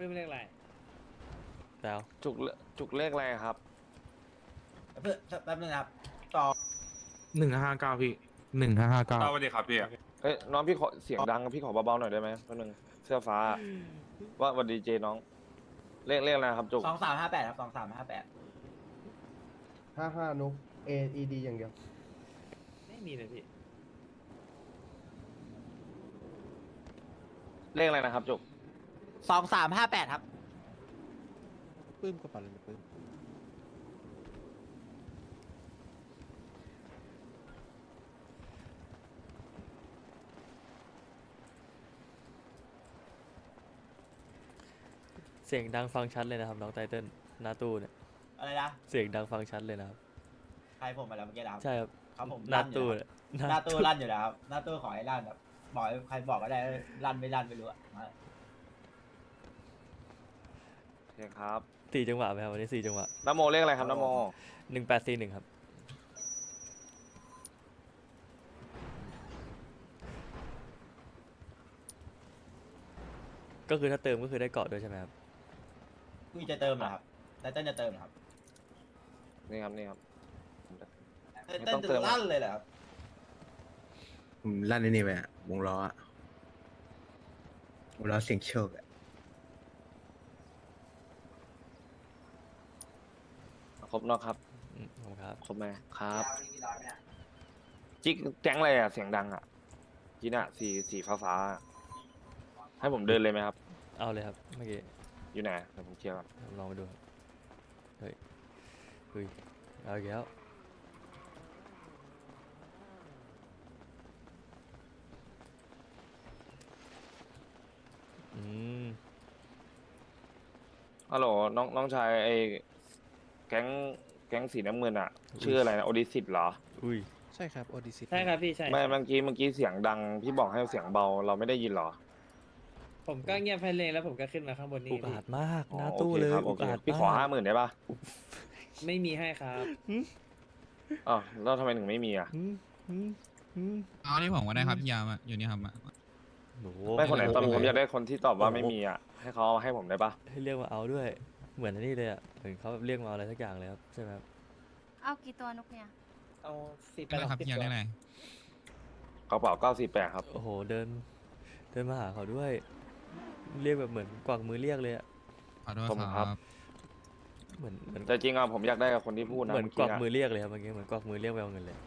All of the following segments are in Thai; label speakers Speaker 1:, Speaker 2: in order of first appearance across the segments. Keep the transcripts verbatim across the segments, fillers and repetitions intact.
Speaker 1: ปื้มเรียกอะไร
Speaker 2: แล้ว
Speaker 3: จุกเลจุกเลขอะไรครับ
Speaker 4: เพื่อแป๊บนึงครับต่อ
Speaker 5: หนึ่งห้าเก้าพี่หนึ่งห้าห้าเก้า
Speaker 6: สวัสดีครับพี่
Speaker 3: เอ้ยน้องพี่ขอเสียงดังพี่ขอเบาๆหน่อยได้ไหมแป๊บนึงเสื้อฟ้า ว่าวันดีเจน้อง เลขเลขอะไรครับจุก
Speaker 4: สองสามห้าแปดครับสองสามห้าแปด
Speaker 7: ห้าห้านุก A E D อย่างเดียว
Speaker 1: ไม่มีเลยพี่
Speaker 3: เลขอะไรนะครับจุก
Speaker 4: สองสามห้าแปดครับ
Speaker 2: ปื้มกระเป๋าเลยปื้มเสียงดังฟังชัดเลยนะครับน้องไตเติ้ลหน้าตู้เนี่ย
Speaker 4: อะไรนะ
Speaker 2: เสียงดังฟังชัดเลยนะครับ
Speaker 4: ใครผมมาแล้วเมื่อกี้นะครับ
Speaker 2: ใช่ครับ
Speaker 4: ครับผม
Speaker 2: หน้า
Speaker 4: ลั่นอยู่
Speaker 2: ตู้
Speaker 4: แล้ว
Speaker 2: เนี่ย
Speaker 4: หน้าตู้ลั่นอยู่แล้วครับหน้าตู้ขอให้ลั่นแบบบอกให้ใครบอกก็ได้ลั่นไม่ลั่นไม่รู้อะมา
Speaker 3: โอเคครับ
Speaker 2: สี่จังหวะไหมครับวันนี้สี่จังหวะ
Speaker 3: น้ำโมเลขอะไรครับน้ำโม
Speaker 2: หนึ่งแปดสี่หนึ่งครับก็คือถ้าเติมก็คือได้เกาะด้วยใช่ไหมครับ
Speaker 4: คุยจะเติมเหรอครับแต่เต้นจะเติมเหรอครับ
Speaker 3: นี่ครับนี่ครับ
Speaker 4: เต้น
Speaker 3: ไม่
Speaker 4: เต้
Speaker 3: ต้อน งเติ
Speaker 4: จะ
Speaker 3: ม
Speaker 4: ลั่นเลยเหรอครับ
Speaker 5: ผมลั่นไอ้นี่ไปอะวงล้ออะวงล้อเสียงโชคอะ
Speaker 3: ครบเนอะครับ
Speaker 2: อืมผมครับ
Speaker 3: ครบไหมครับจิ๊กแจ้งอะไรอ่ะเสียงดังอ่ะจีน่ะสีสีฟ้าฟ้าๆให้ผมเดินเลยไหมครับ
Speaker 2: เอาเลยครับเมื่อกี้
Speaker 3: อยู่ไหนเดี๋ยวผมเคลียร์ก่อน
Speaker 2: ลองไปดูครับเฮ้ยเฮ้ยเอาอีกแล้วอืม
Speaker 3: ฮัลโหลน้องน้องชายไอ้แก๊งแก๊งสีน้ำเงินอ่ะ ชื่ออะไรนะโอดิสิตเหรอ
Speaker 2: อุ้ย
Speaker 8: ใช่ครับโอดิซิ
Speaker 1: ใช่ครับพี่ใช่
Speaker 3: ไม่เมื่อกี้เมื่อกี้เสียงดังพี่บอกให้เสียงเบาเราไม่ได้ยินเหรอ
Speaker 1: ผมก็เงียบไปเลยแล้วผมก็ขึ้นมาข้างบนนี่
Speaker 2: อุกอาจมาก
Speaker 3: อ๋อ
Speaker 2: หน้า
Speaker 3: โอ
Speaker 2: ตู้
Speaker 3: เค
Speaker 2: เลย
Speaker 3: ครับโอ
Speaker 2: อุก
Speaker 3: เค
Speaker 2: อาจ
Speaker 3: พี่ขอ
Speaker 2: มาก
Speaker 3: ห้าหมื่นได้ปะ
Speaker 1: ไม่มีให้ครับ
Speaker 3: อ๋อแล้วทำไมถึงไม่มีอ่ะ
Speaker 2: อืมอืมอืม
Speaker 6: เอาที่ผมก็ได้ครับพี่ยามอะอยู่นี่ครับมา
Speaker 2: โอ้โห
Speaker 3: ไม่คนไหนตอบ
Speaker 2: โโ
Speaker 3: ผมอยากได้คนที่ตอบว่าไม่มีอ่ะให้เขาเอาให้ผมได้ปะ
Speaker 2: ให้เรียกมาเอาด้วย เหมือนอันนี้เลยอ่ะเหมือนเขาแบบเรียกมาเอาอะไรสักอย่างเลยครับใช่ไหมครับ
Speaker 9: เอากี่ตัวนุกเนี่ย
Speaker 1: เอาสิบไป
Speaker 6: ได้ครับ
Speaker 1: สิบ
Speaker 6: พี่ยาม
Speaker 1: ตัว
Speaker 6: ได้อะไร
Speaker 3: กระเป๋าเก้าสี่แปดครับ
Speaker 2: โอ้โหเดิน เดินมาหาเขาด้วย เรียกแบบเหมือนกวักมือเรียกเลยอ่ะ
Speaker 6: ขอโทษ
Speaker 3: ผม
Speaker 6: ค
Speaker 3: ครั
Speaker 6: รับ
Speaker 3: บ
Speaker 2: เหมือนเหมือน
Speaker 3: แต่จริงอ่ะผมอยากได้กับคนที่พูดนะ
Speaker 2: เหมือน
Speaker 3: เมื่อก
Speaker 2: วั
Speaker 3: กี้
Speaker 2: ก
Speaker 3: อะ
Speaker 2: มือเรียกเลยครับเมื่อกี้เหมือนกวักมือเรียกไปเอาเงินเลย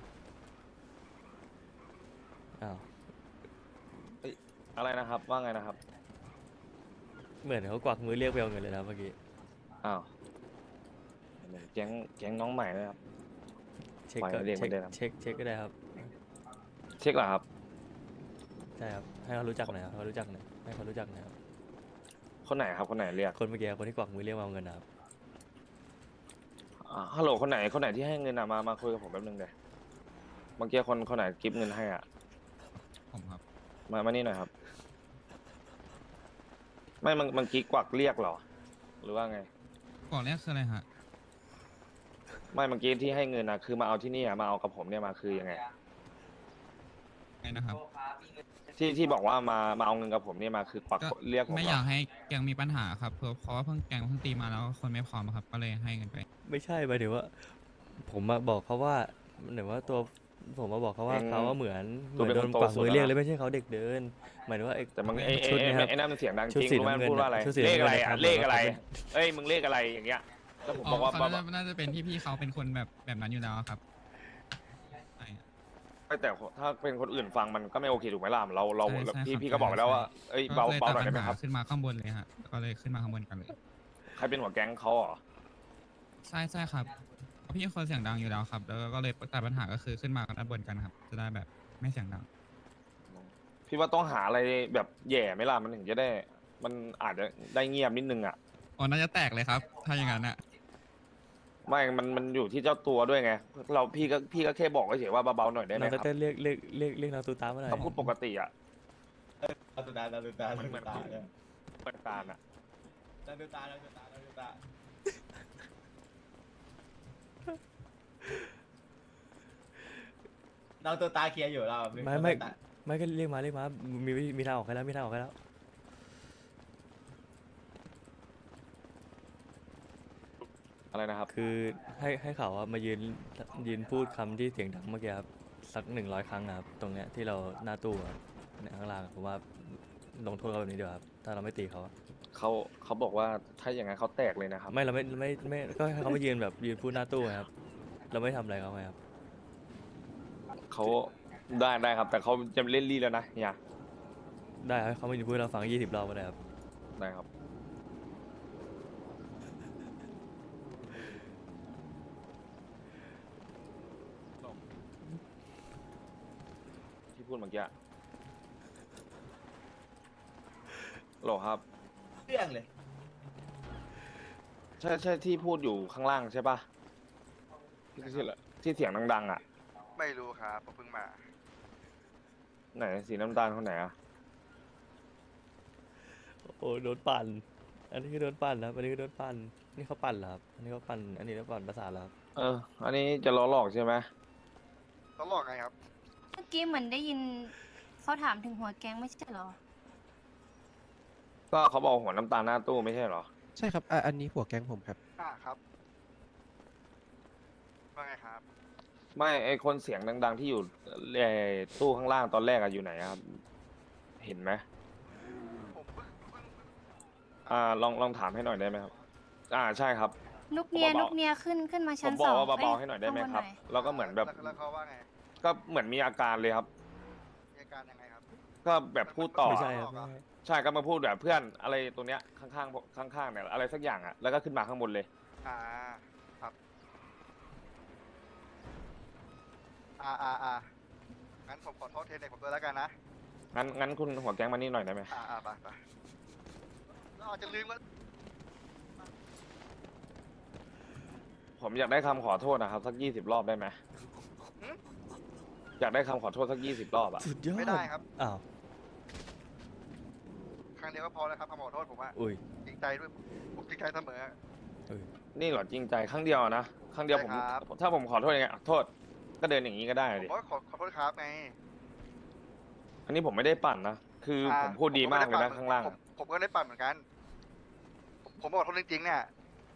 Speaker 2: อ้าว
Speaker 3: อะไรนะครับ ว่าไงนะครับ
Speaker 2: เหมือนเขากวักมือเรียกไปเอาเงินเลยนะเมื่อกี้
Speaker 3: อ้าวแก๊งแก๊งน้องใหม่นะครับ
Speaker 2: เช็ค
Speaker 3: ปล่อย
Speaker 2: ก็
Speaker 3: ให้เรียก
Speaker 2: เช็ค
Speaker 3: ไม่ได้ครับ
Speaker 2: เช็คเช็คก็ได้ครับ
Speaker 3: เช็คเหรอครับ
Speaker 2: ใช่ครับให้เขารู้จักหน่อยครับให้เขารู้จักหน่อยให้เขารู้จักหน่อยครับ
Speaker 3: คนไหนครับคนไหนเรียก
Speaker 2: คนเมื่อกี้คนที่กวักมือเรียกมาเอาเงินนะครับ
Speaker 3: อ่าฮัลโหลคนไหนคนไหนที่ให้เงินอ่ะมามาคุยกับผมแป๊บนึงเดี๋ยวเมื่อกี้คนคนไหนกิฟต์เงินให้อ่ะ
Speaker 6: ผมครับ
Speaker 3: มามานี่หน่อยครับ ไม่มันมันกี้กวักเรียกเหรอ หรือว่าไง
Speaker 6: ก่อนแรกคืออะไรฮะ
Speaker 3: ไม่เมื่อกี้ที่ให้เงินอ่ะคือมาเอาที่นี่อ่ะมาเอากับผมเนี่ยมาคือยังไง
Speaker 6: ไงนะครับ
Speaker 3: ที่ที่บอกว่ามามาเอาเงินกับผมเนี่ยมาคือกวัก
Speaker 6: ก็
Speaker 3: เรียกผม
Speaker 6: ไม่
Speaker 3: เหรอย
Speaker 6: อากให้แกงมีปัญหาครับเพราะเพราะว่าเพิ่งแกงเพิ่งตีมาแล้วคนไม่พร้อมครับ ก็เลยให้เงินไป
Speaker 2: ไม่ใช่หมายถึงว่า ผมมาบอกเขาว่าเหมือนว่าตัวผมมาบอกเขาว่าเขาว่าเหมือนเหมือนโดนกวักมือเรียกเลยไม่ใช่เขาเด็กเดิน หมายถึงว่าไอ้
Speaker 3: แต่มันไอ้ไอ้
Speaker 2: ชุด
Speaker 3: ไอ้
Speaker 2: เนะครับ
Speaker 3: ไอ้นั่นมันเสียงดัง
Speaker 2: ชุด
Speaker 3: จริง
Speaker 2: สี
Speaker 3: รู้ไหม
Speaker 2: น้ำเงิน
Speaker 3: พูดว่าอะไร
Speaker 2: ชุดสี
Speaker 3: เลขอะไร
Speaker 2: น้ำเงิน
Speaker 3: อ่ะ
Speaker 2: นะครับ
Speaker 3: เลขอะไร
Speaker 2: บอกว่า
Speaker 3: เอ้ยมึงเลขอะไรอย่างเงี้ยแล้วผม
Speaker 6: อ๋
Speaker 3: บอก
Speaker 6: อ
Speaker 3: ว่า
Speaker 6: เขา
Speaker 3: บอก
Speaker 6: น่าน่าจะเป็นที่พี่เขาเป็นคนแบบแบบนั้นอยู่แล้วครับใช่ครับ
Speaker 3: ไม่แต่ถ้าเป็นคนอื่นฟังมันก็ไม่โอเคถูกไหมล่ะเราเรา
Speaker 6: ใช่ใช่
Speaker 3: พี่
Speaker 6: ครับ
Speaker 3: พี่ก็บอกไปแล้วว่า
Speaker 6: ใช่
Speaker 3: เอ้ย
Speaker 6: ก็
Speaker 3: เบา
Speaker 6: เลย
Speaker 3: เบา
Speaker 6: ตัด
Speaker 3: หน่อย
Speaker 6: ปั
Speaker 3: ได้
Speaker 6: ญ
Speaker 3: ไหม
Speaker 6: หา
Speaker 3: ครับ
Speaker 6: ขึ้นมาข้างบนเลยฮะก็เลยขึ้นมาข้างบนกันเลย
Speaker 3: ใครเป็นหัวแก๊งเขาเหรอ
Speaker 6: ใช่ใช่ครับเพราะพี่คนเสียงดังอยู่แล้วครับ แล้วก็เลยตัดปัญหาก็คือขึ้นมากันด้านบนกันครับ จะได้แบบไม่เสียงดัง
Speaker 3: พี่ว่าต้องหาอะไรแบบแย่ไหมล่ะมันถึงจะได้ มันอาจจะได้เงียบนิดนึงอ่ะ
Speaker 6: อ๋อน่าจะแตกเลยครับ ถ้าอย่างนั้นอะ
Speaker 3: ไม่มันมันอยู่ที่เจ้าตัวด้วยไงเราพี่ก็พี่ก็แค่บอกเฉยๆว่าเบาๆหน่อยได้ไหม
Speaker 2: น้อง
Speaker 3: ครับ
Speaker 2: เต้นเรียกเรียกเรียกเรียกนางตูตามมาหน่อย
Speaker 3: เขาพูดปกติอ่ะ
Speaker 4: เราดูตาเราดูตาเราดูตาเนี่ย
Speaker 3: เปิดตาอ่ะ
Speaker 4: เราดูตาเราดูตาเราดูตาเราตัวตาเคลียร์อยู่เรา
Speaker 2: ไม่ไม่ไม่ก็เรียกมาเรียกมามีมีมีทางออกให้แล้วมีทางออกให้แล้ว
Speaker 3: อะไรนะครับ
Speaker 2: คือให้ให้เขาอะมายืนยืนพูดคำที่เสียงดังเมื่อกี้ครับสักหนึ่งร้อยครั้งนะครับตรงเนี้ยที่เราหน้าตู้อะเนี่ยข้างล่างผมว่าลงโทษเขาแบบนี้ดีกว่าครับถ้าเราไม่ตีเขาอะ
Speaker 3: เขาเขาบอกว่าถ้าอย่างนั้นเขาแตกเลยนะครับ
Speaker 2: ไม่เราไม่ไม่ไม่ก็ให้เขามายืนแบบยืนพูดหน้าตู้ไงครับเราไม่ทำอะไรเขาไงครับ
Speaker 3: เขาได้ได้ครับ แต่เขาจะเล่นรีแล้วนะเนี่ย
Speaker 2: ได้ครับให้เขามายืนพูดให้เราฟังยี่สิบรอบก็ได้ครับ
Speaker 3: ได้ครับ ที่พูดเมื่อกี้โหลครับ
Speaker 4: เรื่องเลย
Speaker 3: ใช่ใช่ที่พูดอยู่ข้างล่างใช่ปะที่ที่ที่เสียงดังๆอ่ะ
Speaker 8: ไม่รู้ครับผมเพิ่งมา
Speaker 3: ไหนสีน้ำตาลคนไหนอ่ะ
Speaker 2: โอ้โดนปั่นอันนี้คือโดนปั่นนะครับอันนี้คือโดนปั่นนี่เขาปั่นเหรอครับอันนี้เขาปั่นอันนี้เขาปั่นประสาทเหรอครับ
Speaker 3: เออ อันนี้จะล้อหลอกใช่ไหม
Speaker 8: ต้องลอกไงครับ
Speaker 9: เมื่อกี้เหมือนได้ยินเขาถามถึงหัวแก๊งไม่ใช่เหรอ
Speaker 3: ก็เขาบอกหัวน้ำตาลหน้าตู้ไม่ใช่เหรอ
Speaker 10: ใช่ครับอ่ะอันนี้หัวแก๊งผมครับ
Speaker 8: อ่าครับว่าไงครับ
Speaker 3: ไม่ไอคนเสียงดัง ๆ ที่อยู่ไอ้ตู้ข้างล่างตอนแรกอะอยู่ไหนอะครับ เห็นไหม
Speaker 8: ผมเพิ่งเพิ่งเพิ่ง
Speaker 3: อ่าลองลองถามให้หน่อยได้ไหมครับ อ่าใช่ครับ
Speaker 9: นุกเนีย
Speaker 3: เบาๆ
Speaker 9: นุกเนียขึ้นขึ้นมา
Speaker 3: ผ
Speaker 9: ชั้น
Speaker 3: มบ
Speaker 9: ส
Speaker 3: อ
Speaker 9: อก ง
Speaker 3: ว่าเบาๆ
Speaker 9: อ้ย
Speaker 3: ให้หน่อยได้ไหม
Speaker 9: ข้าง
Speaker 3: ครับ
Speaker 9: น่อย
Speaker 3: แล้วก็เหมือนแบบ
Speaker 8: ล้วแล้วเขาว่าไง
Speaker 3: ก็เหมือนมีอาการเลยครับ
Speaker 8: มีอาการยังไงครับ
Speaker 3: ก็แบบพูดต่อ
Speaker 2: ไม่ใช่ครับไม่ใช่
Speaker 3: ใช่ก็มาพูดแบบเพื่อนอะไรตรงเนี้ยข้างๆข้างๆเนี่ยอะไรสักอย่างอะแล้วก็ขึ้นมาข้างบนเลย
Speaker 8: อ่าครับอ่าอ่าอ่างั้นผมขอโทษเทนเด็กผมด้วยแล้วกันนะ
Speaker 3: งั้นงั้นคุณหัวแก๊งมานี่หน่อยได้ไหม
Speaker 8: อ่าอ่าไปไปเราอาจจะลืมว่า
Speaker 3: ผมอยากได้คำขอโทษนะครับสักยี่สิบรอบได้ไหมอยากได้คำขอโทษสักยี่สิบรอบอะ
Speaker 2: สุดยอด
Speaker 8: ไม่ได้ครับ
Speaker 2: อ้าว
Speaker 8: ครั้งเดียวก็พอแล้วครับคำขอโทษผมอะ
Speaker 2: อุ้ย
Speaker 8: จริงใจด้วยผมจริงใจเสมอ
Speaker 2: อุ้ย
Speaker 3: นี่เหรอจริงใจครั้งเดียวนะครั้งเดียวผม
Speaker 8: ใช่ครับ
Speaker 3: ถ้าผมขอโทษยังไงอ่ะโทษ ก็เดินอย่างนี้ก็ได้
Speaker 8: ผม
Speaker 3: ดิ
Speaker 8: ก็ขอขอโทษครับไง
Speaker 3: อันนี้ผมไม่ได้ปั่นนะคืออา ผมพูดดีมากเลยนะ
Speaker 8: ผ
Speaker 3: ข้างล่าง
Speaker 8: ผมผมก็ได้ปั่นเหมือนกัน ผมผมบอกโทษจริงๆเนี่ย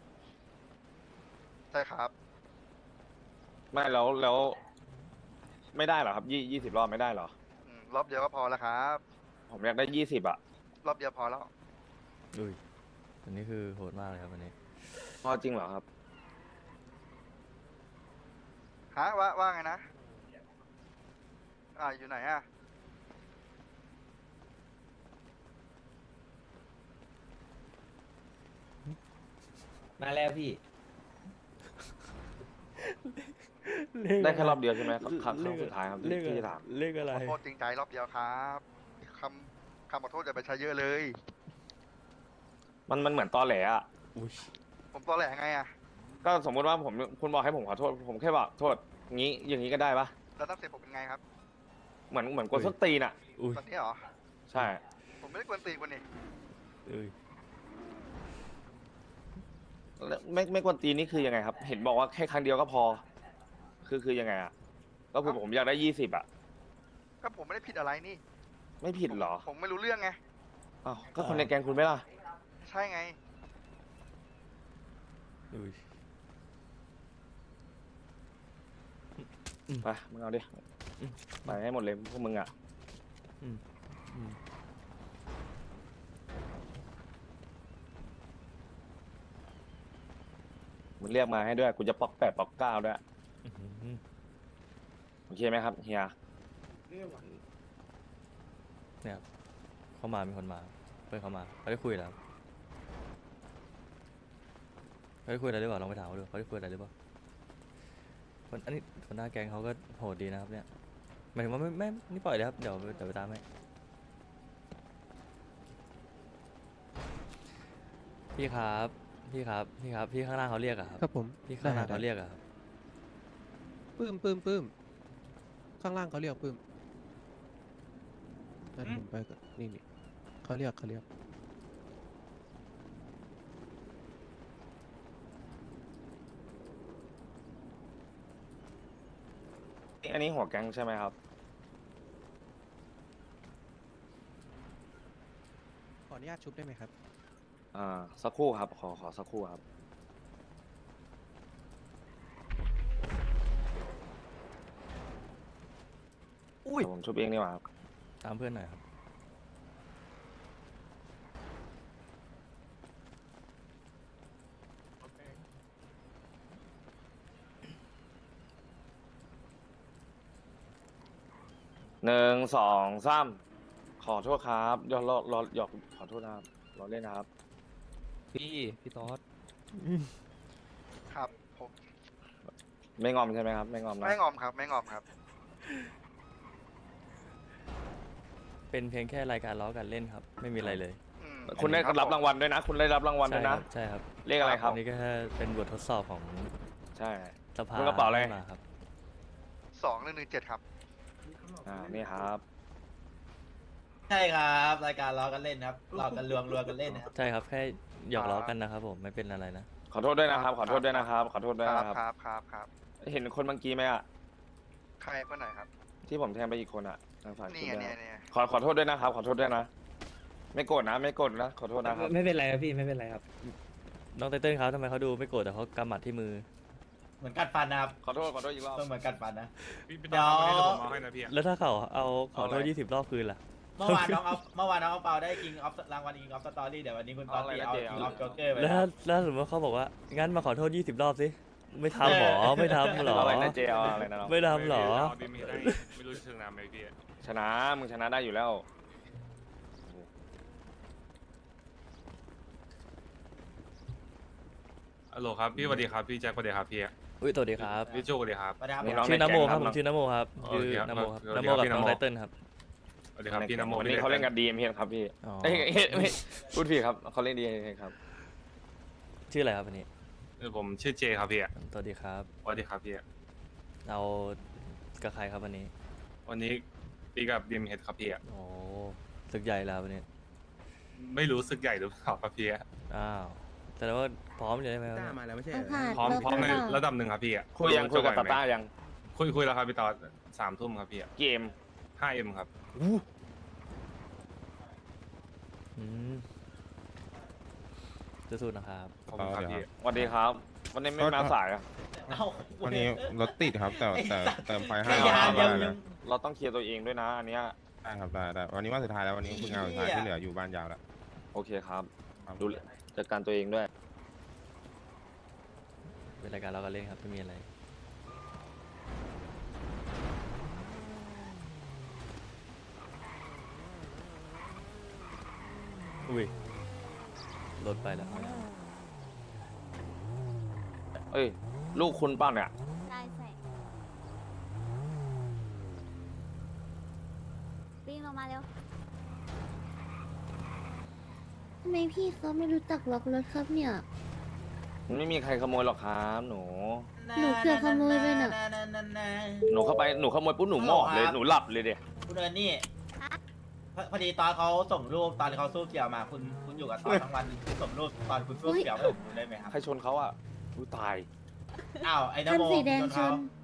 Speaker 8: ใช่ครับ
Speaker 3: ไม่แล้วแล้ว ไม่ได้เหรอครับยี่ยี่สิบรอบไม่ได้เหรอ
Speaker 8: อืมรอบเดียวก็พอแล้วครับ
Speaker 3: ผมอยากได้ยี่สิบอะ
Speaker 8: รอบเดียวพอแล้ว
Speaker 2: อุ้ยอันนี้คือโหดมากเลยครับอันนี้
Speaker 3: พอจริงเหรอครับ
Speaker 8: ฮะว่าว่าไงนะ อ่าอยู่ไหนอ่ะ
Speaker 1: มาแล้วพี่
Speaker 3: ได้แค่รอบเดียวใช่ไหมครั้งครั้งครั้งสุดท้ายครับที่
Speaker 2: เลข
Speaker 3: ที่
Speaker 2: อะไร
Speaker 3: ถาม
Speaker 2: เลขอะไร
Speaker 8: ขอโทษจริงใจรอบเดียวครับคำคำขอโทษอย่าไปใช้เยอะเลย
Speaker 3: มันมันเหมือนตอแหลอะ
Speaker 2: อุ้ย
Speaker 8: ผมตอแหลไงอ่ะ
Speaker 3: ก็สมมุติว่าผมคุณบอกให้ผมขอโทษ ผมแค่บอกโทษงี้อย่างนี้ก็ได้ปะ
Speaker 8: แล้วตั้งเสร็จผมเป็นไงครับ
Speaker 3: เหมือนเหมือนกดส้นตีนอะ
Speaker 2: อุ้ย
Speaker 8: ตอนนี้เหรอ
Speaker 3: ใช่
Speaker 8: ผมไม่ได้กวนตีนคนนี่
Speaker 2: อุ้ย
Speaker 3: แล้วไม่ไม่กวนตีนนี่คือยังไงครับ เห็นบอกว่าแค่ครั้งเดียวก็พอ คือคือยังไงอะก็คือผมอยากได้ยี่สิบอะ
Speaker 8: ก็ผมไม่ได้ผิดอะไรนี่
Speaker 3: ไม่ผิดเหรอ
Speaker 8: ผมไม่รู้เรื่องไง
Speaker 3: อ้าวก็คนในแกงคุณไหม่ล่ะ
Speaker 8: ใช่ไง
Speaker 2: อุ้ย
Speaker 3: ไปมึงเอาดิไปให้หมดเลยพวกมึงอะ
Speaker 2: อืมอืม
Speaker 3: มึงเรียกมาให้ด้วยกูจะปอกแปดปอกเก้าด้วย
Speaker 2: อื้อหือ
Speaker 3: โอเคไหมครับเฮีย
Speaker 2: เนี่ยครับเขามามีคนมาเพื่อนเขามาเขาได้คุยแล้วเขาได้คุยอะไรหรือเปล่าลองไปถามเขาดูเขาได้คุยอะไรหรือเปล่าคนอันนี้คนหน้าแก๊งเขาก็โหดดีนะครับเนี่ยหมายถึงว่าไม่ไม่นี่ปล่อยเลยครับเดี๋ยวเดี๋ยวไปตามให้พี่ครับพี่ครับพี่ครับพี่ข้างล่างเขาเรียกอะครับ
Speaker 10: ครับผม
Speaker 2: พี่ข้างล่าง
Speaker 10: ได้
Speaker 2: เขาเรียกอะครับ
Speaker 10: ปื้มปื้มปื้มข้างล่างเขาเรียกปื้มนั่นผมไปก่อนนี่นี่เขาเรียกเขาเรียก
Speaker 3: อันนี้หัวแก๊งใช่ไหมครับ
Speaker 10: ขออนุญาตชุบได้ไหมครับ
Speaker 3: อ่าสักครู่ครับ ขอขอสักครู่ครับเดี๋ยวผมชุบเองดีกว่าครับ
Speaker 2: ตามเพื่อนหน่อยครับ
Speaker 3: หนึ่งสองสามขอโทษครับยอรอรอหยอกขอโทษนะครับรอเล่นนะครับ
Speaker 1: พี่พี่ต๊อด
Speaker 8: ครับผม
Speaker 3: ไม่งอมใช่ไหมครับ ไม่งอมนะ
Speaker 8: ไม่งอมครับ ไม่งอมครับ
Speaker 2: เป็นเพียงแค่รายการล้อกันเล่นครับ ไม่มีอะไรเลย
Speaker 8: อืม
Speaker 3: คุณได้รับรางวัลด้วยนะ คุณได้รับรางวัล
Speaker 2: ใช่
Speaker 3: ด้วย
Speaker 2: ค
Speaker 3: นะ
Speaker 2: รับใช่ครับ
Speaker 3: เลขอะไรครับ
Speaker 2: อันนี้ก็แค่เป็นบททดสอบของ
Speaker 3: ใช่
Speaker 2: สภา
Speaker 3: คุณกระเป๋าอะไร
Speaker 2: มาครับ
Speaker 8: สองหนึ่งหนึ่งเจ็ดครับ
Speaker 3: อ่านี่ครับ
Speaker 4: ใช่ครับรายการล้อกันเล่นครับล้อกันลวงลวงกันเล่นนะครับ
Speaker 2: ใช่ครับแค่หยอกล้อกันนะครับผมไม่เป็นอะไรนะ
Speaker 3: ขอโทษด้วยนะครับ ขอโทษด้วยนะครับ ขอโทษด้วย
Speaker 8: ครับ
Speaker 3: นะครับ
Speaker 8: ครับครับครับ
Speaker 3: เห็นคนเมื่อกี้ไหมอ่ะ
Speaker 8: ใครคนไหนครับ
Speaker 3: ที่ผมแทงไปอีกคนอ่ะทางฝ่าย
Speaker 8: นี่
Speaker 3: คุณ
Speaker 8: ไง
Speaker 3: ด้วย
Speaker 8: เนี่ยเนี่ย
Speaker 3: ขอขอโทษด้วยนะครับ ขอโทษด้วยนะ ไม่โกรธนะ ไม่โกรธนะ ขอโทษนะครับ
Speaker 1: ไม่เป็นไรครับพี่ไม่เป็นไรครับ
Speaker 2: น้องไตเติ้ลครับทำไมเขาดูไม่โกรธแต่เขากำหมัดที่มือ
Speaker 4: เหมือนกัดฟันนะครับ
Speaker 3: ขอโทษ ขอโทษอีกรอบ
Speaker 4: ต้องเหมือนกัดฟันนะ
Speaker 11: พี่พี่
Speaker 4: เดี๋
Speaker 11: ต้
Speaker 4: ย
Speaker 11: อ
Speaker 4: ว
Speaker 11: งเอาไปให้เดี๋ยวผมเอาให้นะพี่อะ
Speaker 2: แล้วถ้าเขาเอาขอโทษ
Speaker 3: เอาอะไร
Speaker 2: ยี่สิบรอบคืนล่ะ
Speaker 4: เมื่อวานน้องเอาเมื่อวานน้องเอาเปาได้กิงออฟรางวัลกิงออฟสตอรี่เดี๋ยววันนี้คุณตอนตีเอากิงออฟโจ๊กเกอร์ไป
Speaker 2: แล้ว
Speaker 4: นะค
Speaker 2: ถ้า
Speaker 4: รับ
Speaker 2: แล้วสมมติว่าเขาบอกว่างั้นมาขอโทษยี่สิบรอบสิไม่ทำหรอไม่ทำหรอ
Speaker 3: เอาอะไรนะเจเอาอะไรนะเรา
Speaker 2: ไม่ทำหรอ
Speaker 11: เอาดิมีได้ไม่รู้จะถึงน้ำไหมพี่อะ
Speaker 3: ชนะ มึงชนะได้อยู่แล้ว
Speaker 11: ฮัลโหลครับพี่สวัสดีครับพี่แจ็คสวัสดีครับพี่อะ
Speaker 2: อุ้ยสวัสดีครับ
Speaker 11: พี่โจสวัสดีครับ
Speaker 4: สวัสดีครับ
Speaker 3: มีน้อง
Speaker 2: ชื่อ
Speaker 3: ใน
Speaker 2: นโม
Speaker 3: แก๊ง
Speaker 2: ครับ
Speaker 3: ครับ
Speaker 2: ผมชื่อนโมครับ
Speaker 11: โอ
Speaker 2: ชื่อ
Speaker 11: เคครับ
Speaker 2: นโมครับ
Speaker 11: สวัส
Speaker 2: น
Speaker 11: ดี
Speaker 2: โม
Speaker 11: ครับ
Speaker 2: กับ
Speaker 11: พี่
Speaker 2: น้อง
Speaker 11: นโม
Speaker 2: ไตเติ้ลครับ
Speaker 11: สวัสดีครับพี่นโม
Speaker 3: วันนี้เขาเล่นกับดีเอ็มเครับพี่
Speaker 2: อ๋อ
Speaker 3: เอ้ยเอ้ยไม่พูดผิดครับเขาเล่นดีเอ็มครับ
Speaker 2: ชื่ออะไรครับวันนี้
Speaker 11: เออผมชื่อเจครับพี่อะ
Speaker 2: สวัสดีครับ
Speaker 11: สวัสดีครับพี่อะ
Speaker 2: เอากับใครครับวันนี้
Speaker 11: วันนี้พี่กับดีมเฮดครับพี่อะ
Speaker 2: โอ้ศึกใหญ่แล้ววันนี้
Speaker 11: ไม่รู้สึกใหญ่หรือเปล่าครับพี่อะ
Speaker 2: อ้าวแต่ว่าพร้อมอยู่ใช่ไหมครับ
Speaker 5: ต้ามาแล้วไม่ใช่เหร
Speaker 9: เอา
Speaker 5: อ
Speaker 9: ผ่าน
Speaker 11: พร้อม
Speaker 9: แล้ว
Speaker 11: พร้อมใน
Speaker 9: ก็
Speaker 11: ระดับหนึ่งครับพี่อะ
Speaker 3: คุยยังคุยกับตาต้ายัง
Speaker 11: คุยคุยแล้วครับพี่ตอนสามทุ่มครับพี่อะ
Speaker 3: เกม
Speaker 11: ห้าเอ็มครับ
Speaker 2: อืมสู้ๆนะครับ
Speaker 11: ขอบคุณครับพี่
Speaker 3: สวัสดีครับ วันนี้ไม่มาสายอ่ะ
Speaker 4: เอ้า
Speaker 7: วันนี้รถติดครับ แต่แต่เติมไฟให้
Speaker 4: ไอ้ยา
Speaker 7: ได้
Speaker 4: ยัง
Speaker 7: นะ
Speaker 4: ยัง
Speaker 3: เราต้องเคลียร์ตัวเองด้วยนะ อันเนี้ย
Speaker 7: ได้ครับได้ได้วันนี้วันสุดท้ายแล้ววันนี้เพิ่งเอาสุดท้ายที่เหลืออยู่บ้านยาวแล้ว
Speaker 3: โอเคครับ
Speaker 7: ครับ
Speaker 3: ดูจัดการตัวเองด้วย
Speaker 2: เป็นรายการเราก็เล่นครับไม่มีอะไรอุ้ยรถไปแล้ว
Speaker 3: เอ้ย ลูกคุณเป้าเนี่ย
Speaker 9: ใช่ใส่วิ่งลงมาเร็วทำไมพี่เขาไม่รู้จักล็อกรถครับเนี่ย
Speaker 3: มันไม่มีใครขโมยหรอกครับหนู
Speaker 9: หนูเกือบขโมยไปน่ะ
Speaker 3: หนูเข้าไป หนูขโมยปุ๊บหนูหมอบเลย หนูหลับเลยเดีย
Speaker 4: คุณเอิร์นนี่พอพอดีตอนเขาส่งรูปตอนเขาสู้เกี่ยวมาคุณคุณอยู่กับตอนทั้งวันคุณส่งรูปตอนคุณสู้เกี่ยวให้ผมดูได้ไหมครับ
Speaker 3: ใครชนเขาอ่ะอุ้ยตาย
Speaker 4: อ้าวไอ้น
Speaker 9: คัน
Speaker 4: โม
Speaker 9: สีแดง
Speaker 4: คุณ
Speaker 9: ช
Speaker 4: เขา
Speaker 9: น